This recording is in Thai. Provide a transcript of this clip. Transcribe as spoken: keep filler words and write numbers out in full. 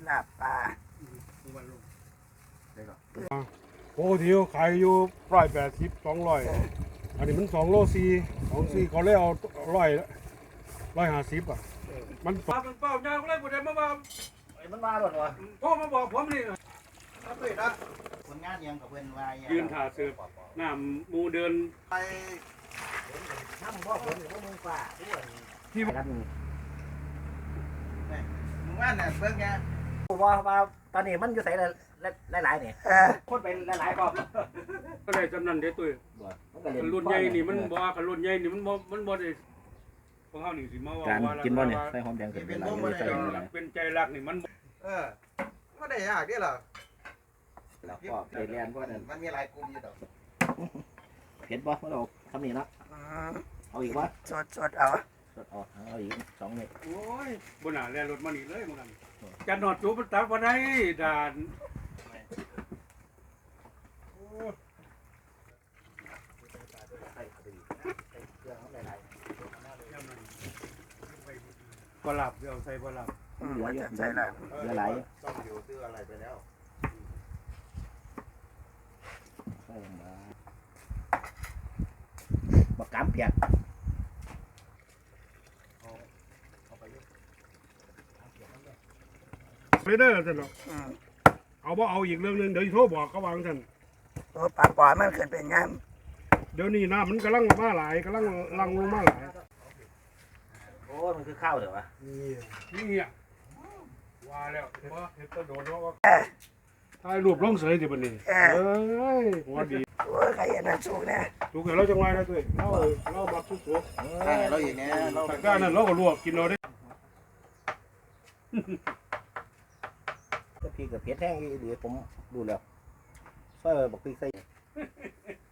ลาบปลาโอ้ทีขายอยู่ร้อยแปดสิบสองร้อยอันนี้มันสองโลสี่สองสี่เขาเลยเอาร้อยร้อยห้าสิบอ่ะมันปลาเป็นเป้ายางก็เลยบุตรมาบ้าไอ้มันมาหรอวะพ่อมาบอกผมนี่ครับเลยนะคนงานยังกับเพื่อนวายยืนถ่าเสือหน้ามูเดินไปน้ำพ่อผมหรือพวกมึงป่าที่รับมึงมึงว่าเนี่ยเบิ่งแกว่าว่าตอนนี้มันอยู่ใส่หลายหลายเนี่ยคนไปหลายๆก็ก็ได้จำนันเด้ตุ้ยรุ่นใหญ่นี่มันบ่คันรุ่นใหญ่นี่มันบ่มันบ่ได้พวกเฮานี่สิมาว่าการกินบ่เนี่ยใส่หอมแดงเป็นอะไรใส่อะไรเป็นใจรักนี่มันเออบ่ได้ยากเด้อล่ะแล้วก็ไปเรียนว่านั่นมันมีหลายกลุ่มอยู่ดอกเผ็ดบ่เมื่อเราทำนี่นะเอาอีกวะสดสดเอาสดออกเอาอีกสองเม็ดโอ้ยบ่น่าแล่นรถมานี่เลยมื้อนั้นจะนอดจูบตักบ่ได้ด่านปลาบเดี๋ยวใส่ปลาบเหลือเยอะใส่ละเหลือหลายต้องอยู่ซื้ออะไรไปแล้วใส่มาบักกามเปียกไม่ได้ท่านหรอกเอาบ่เอาอีกเรื่องนึงเดี๋ยวโทรบอกเขาวางท่านตัวปลาปล่อยมันขึ้นเป็นงามเดี๋ยวนี้น้ำมันกำลังมาหลายกำลังลังลงมาหลายโอ้มันคือข้าวเดี๋ยววะนี่นี่อ่ะว่าแล้วว่าเห็ดตะโดนว่าถ่ายรูปลงเสยสิบัดนี้เอ้ยหัวดีโอ้ยใครเห็นนั่นสุกเนี่ยสุกเห็นเราจังไรนะตุ้ยเราเรามาสุกสุกเราอย่างนี้เราแต่ก้านนั้นเราก็ลวกกินเราได้พี่กับเผ็ดแห้งดีผมดูแล้วใส่บักพริกใส่